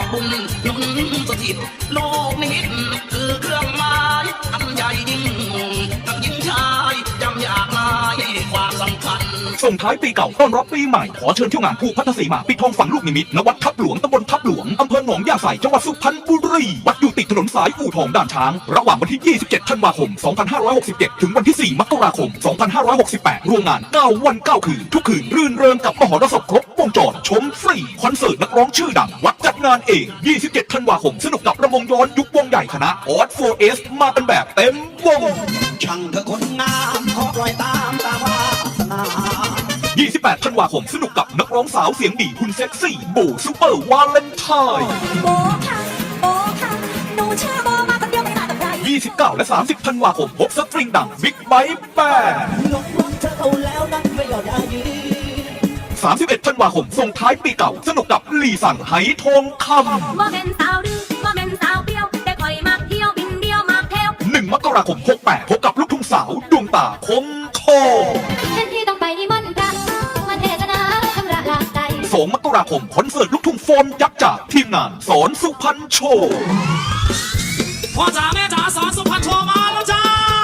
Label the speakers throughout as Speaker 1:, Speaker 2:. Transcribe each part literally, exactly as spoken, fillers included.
Speaker 1: บุญยนสถิตโลกนิมิตคือเครื่องหมายอันใหญ่ยิ่งทั้งหญิงชายจำอยากนายความสำคัญ
Speaker 2: ส่งท้ายปีเก่าต้อนรับปีใหม่ขอเชิญเที่ยวงานภูพัทธสีมาปิดทองฝังลูกนิมิตณวัดทับหลวงตำบลทับหลวงอำเภอหนองยาไสจังหวัดสุพรรณบุรีวัดอยู่ติดถนนสายอู่ทองด่านช้างระหว่างวันที่ยี่สิบเจ็ดธันวาคมสองพันห้าร้อยหกสิบเจ็ดถึงวันที่สี่มกราคมสองพันห้าร้อยหกสิบแปดรวมงานเก้าวันเก้าคืนทุกคืนรื่นเริงกับมหรสพครบวงจรชมฟรีคอนเสิร์ตนักร้องชื่อดังวัดจัดงานเองยี่สิบเจ็ดธันวาคมสนุกกับระมงย้อนยุควงใหญ่คณะออส โฟร์ เอส มากันแบบเต็มวง
Speaker 1: ช่างเธอคนงามขอปล่อยตามตามวาสนา
Speaker 2: ยี่สิบแปดธันวาคมสนุกกับนักร้องสาวเสียงดีหุ่นเซ็กซี่โบซูเปอร์วาเลนไทน์
Speaker 3: โบค่ะโบค่ะหนูชื่อโบมาคนเดียวไม่มากับใคร
Speaker 2: ยี่สิบเก้าและสามสิบธันวาคมพบสตริงดังบิ๊กไบค์แบนด์
Speaker 1: ลงรักเธอเอาแล้วนั่นไม่ยอมได้ยี
Speaker 2: สามสิบเอ็ดธันวาคมส่งท้ายปีเก่าสนุกกับลีสั่งไหทองคำ
Speaker 3: ว่าเป็นสาวดื้อว่าเป็นสาวเปรี้ยวแต่คอยมาเที่ยวบินเดียวมาเที่ยว
Speaker 2: หนึ่งมกราคมหกแปดพบกับลูกทุ่งสาวดวงตาคมทอง
Speaker 3: เช่นที่ต้องไปนิมนต์พระมาเทศนาชำระล้างใจ
Speaker 2: สองมกราคมคอนเสิร์ตลูกทุ่งโฟนยักษ์จากทีมงานสอนสุพรรณโชว์
Speaker 1: พ่อจ๋าแม่จ๋าสอนสุพรรณโชว์มาแล้วจ้า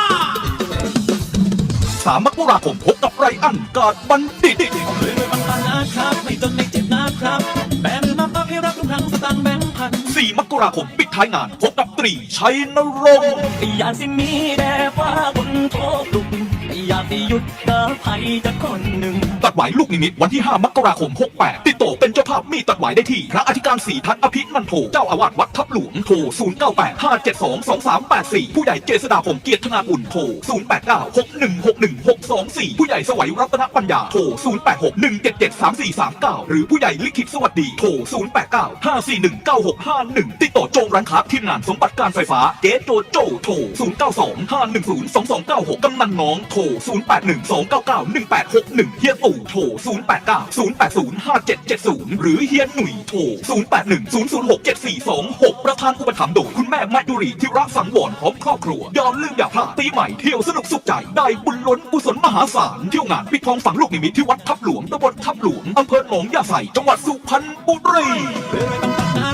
Speaker 2: สามมกราคมพบกับไรอันกาดบัณฑิต
Speaker 1: เลยไม่บังคับนะครับไม่จนไม่เจ็บนะครับแบมือมาปั๊บให้รับทุกครั้งสตางค์แบงค์พัน
Speaker 2: สี่มกราคมปิดท้ายงานพบกับตรีชัยนรงค์
Speaker 1: อยากสิมีแต่ฟ้าบนโทษลุกอยากสิหยุดเดินไผ่จะคนหนึ่ง
Speaker 2: ตัดไหวลูกนิมิตวันที่ห้ามกราคมหกแปดติดต่อเป็นเจ้าภาพมีตัดไหวได้ที่พระอธิการศรีทัตอภินันโทเจ้าอาวาสวัดทับหลวงโทรศูนย์ เก้า แปด ห้า เจ็ด สอง สอง สาม แปด สี่ผู้ใหญ่เจษฎาพงษ์เกียรติธนาอุ่นโทรศูนย์ แปด เก้า หก หนึ่ง หก หนึ่ง หก สอง สี่ผู้ใหญ่สวัยรัตนปัญญาโทรศูนย์ แปด หก หนึ่ง เจ็ด เจ็ด สาม สี่ สาม เก้าหรือผู้ใหญ่ลิขิตสวัสดีโทรศูนย์ แปด เก้า ห้า สี่ หนึ่ง เก้า หก ห้า หนึ่งติดต่อโจงร้านค้าทีมงานสมบัติการไฟฟ้าเจ๊โจโจโทรศูนย์ เก้า สอง ห้า หนึ่ง ศูนย์ สอง สอง เก้า หกกำนันน้องโทรศูนย์ แปด หนึ่ง สอง เก้า เก้า หนึ่ง แปด หก หนึ่งเฮียตู่โทรศูนย์ แปด เก้า ศูนย์ แปด ศูนย์ ห้า เจ็ด เจ็ด ศูนย์หรือเฮียหนุ่ยโทรศูนย์ แปด หนึ่ง ศูนย์ ศูนย์ หก เจ็ด สี่ สอง หกประธานอุปถัมภ์โดยคุณแม่มายุรีธิระสังวรพร้อมครอบครัวอย่าลืมอย่าพลาดปีใหม่เที่ยวสนุกสุขใจได้บุญล้นกุศลมหาศาลเที่ยวงานปิดทองฝังลูกนิมิตที่วัดทับหลวงตำบลทับหลวงอำเภอหนองยาไสจังหวัดสุพรรณบุรี